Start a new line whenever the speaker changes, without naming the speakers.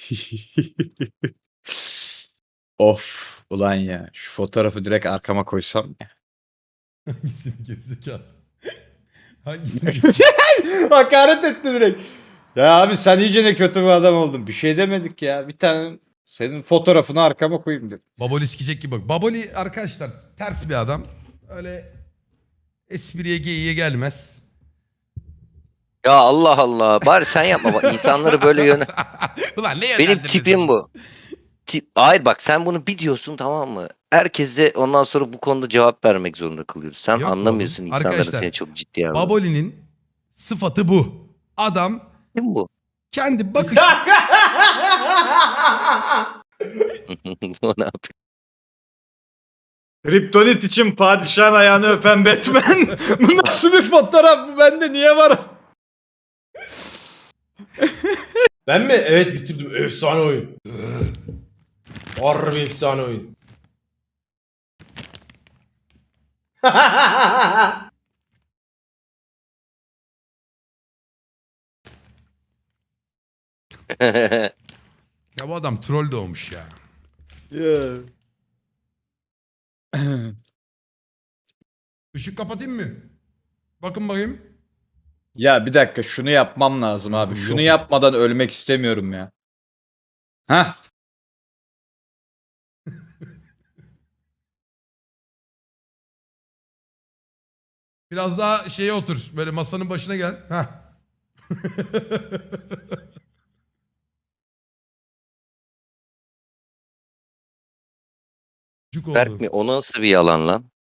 Of ulan ya. Şu fotoğrafı direkt arkama koysam ya.
Hangisini gerizekalı? Hangisini gerizekalı?
Hakaret etti direkt. Ya abi sen iyice ne kötü bir adam oldun. Bir şey demedik ya. Bir tane senin fotoğrafını arkama koyayım dedim.
Baboli sikecek gibi bak. Baboli arkadaşlar ters bir adam. Öyle espriye geyiğe gelmez.
Ya Allah Allah. Bari sen yapma. Bak, insanları böyle yöne...
Ulan ne
Benim
yönlendirdin
tipim
sen?
bu. Hayır bak sen bunu bir diyorsun, tamam mı? Herkese ondan sonra bu konuda cevap vermek zorunda kalıyoruz. Sen
Yok
anlamıyorsun
oğlum.
insanların
Arkadaşlar
seni çok ciddiye aldığını.
Baboli'nin sıfatı bu. Adam
Kim bu?
kendi bakış...
O ne yapıyor?
Kryptonit için padişahın ayağını öpen Batman. Bu nasıl bir fotoğraf? Bu bende niye var?
Ben mi? Evet bitirdim. Efsane oyun. Harbi efsane oyun.
Ya bu adam troll doğmuş ya. Işık kapatayım mı? Bakın bakayım.
Ya bir dakika şunu yapmam lazım abi.
Yok.
Şunu yapmadan ölmek istemiyorum ya. Hah.
Biraz daha şeye otur. Böyle masanın başına gel. Heh. Cuk oldu.
Berk mi? O nasıl bir yalan lan?